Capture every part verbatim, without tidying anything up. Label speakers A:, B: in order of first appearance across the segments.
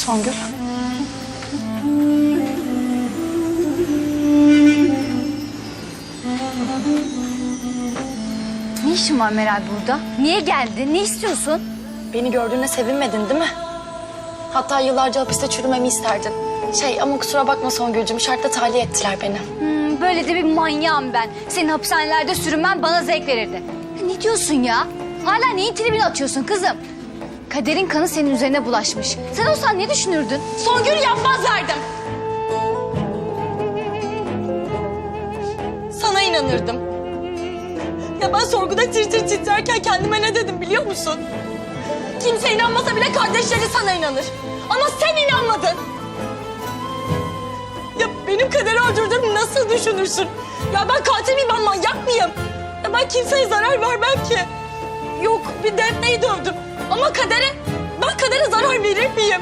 A: Songül.
B: Ne işin var Meral burada? Niye geldin? Ne istiyorsun?
A: Beni gördüğüne sevinmedin değil mi? Hatta yıllarca hapiste çürümemi isterdin. Şey ama kusura bakma Songül'cüm, şartla tahliye ettiler beni.
B: Hmm, böyle de bir manyağım ben. Senin hapishanelerde sürünmen bana zevk verirdi. Ya ne diyorsun ya? Hala neyin tribini atıyorsun kızım? Kaderin kanı senin üzerine bulaşmış. Sen olsan ne düşünürdün?
A: Songül yapmazlardım. Sana inanırdım. Ya ben sorguda tir tir titrerken kendime ne dedim biliyor musun? Kimse inanmasa bile kardeşleri sana inanır. Ama sen inanmadın. Ya benim Kader'i öldürdüğümü nasıl düşünürsün? Ya ben katil miyim, ben manyak mıyım? Ya ben kimseye zarar vermem ki. Yok, bir Defne'yi dövdüm. Ama Kader'e, ben Kader'e zarar verir miyim?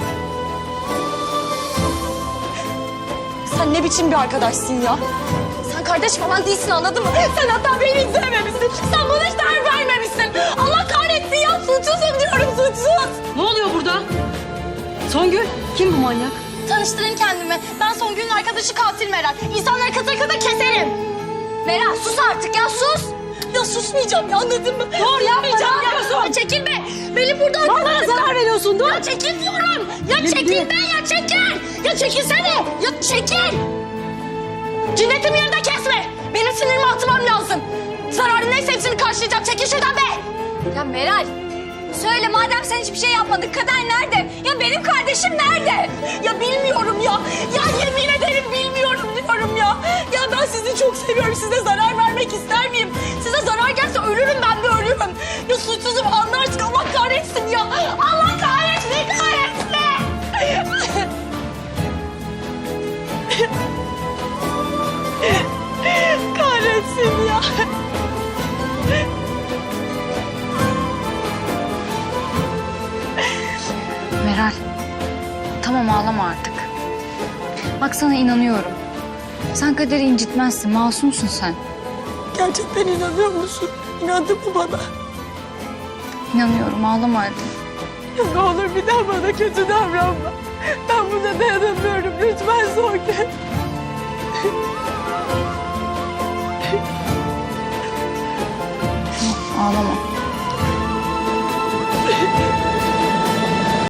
A: Sen ne biçim bir arkadaşsın ya? Sen kardeş falan değilsin, anladın mı? Sen hatta beni izlememişsin. Sen bana hiç değer vermemişsin. Allah kahretsin ya, suçsuzum diyorum, suçsuz.
C: Ne oluyor burada? Songül, kim bu manyak?
A: Tanıştırın kendimi. Ben Songül'ün arkadaşı katil Meral. İnsanları kıtır kıtır keserim.
B: Meral sus artık ya sus.
A: Ya susmayacağım ya, anladın mı?
C: Dur yapma, ne
A: ya.
C: yapıyorsun?
A: Ya çekil be. Beni burada
C: Bana zarar veriyorsun, dur.
A: Ya çekil diyorum. Ya
C: Yürü,
A: çekil
C: yürü.
A: be, ya çekil. Ya çekilsene. Ya çekil. Cinnetimi yerine kesme. Benim sinirimi atmam lazım. Zararı neyse hepsini karşılayacağım. Çekil şuradan be.
B: Ya Meral söyle madem sen hiçbir şey yapmadın. Kader nerede? Ya benim kardeşim nerede?
A: Ya bilmiyorum ya. Ya yemin ederim bilmiyorum diyorum ya. Ya ben sizi çok seviyorum. Size zarar vermek ister miyim? Size zarar gelse ölürüm, ben de ölürüm. Ya suçsuzum, anla artık. Allah kahretsin ya. Allah kahretsin, kahretsin. Kahretsin ya.
B: Meral tamam ağlama artık. Bak sana inanıyorum. Sen Kader'i incitmezsin. Masumsun sen.
A: Gerçekten inanıyor musun? İnandın mı bana?
B: İnanıyorum ağlama hadi.
A: Ya ne olur bir daha bana kötü davranma. Ben buna dayanamıyorum. Lütfen Songül.
B: Ağlama.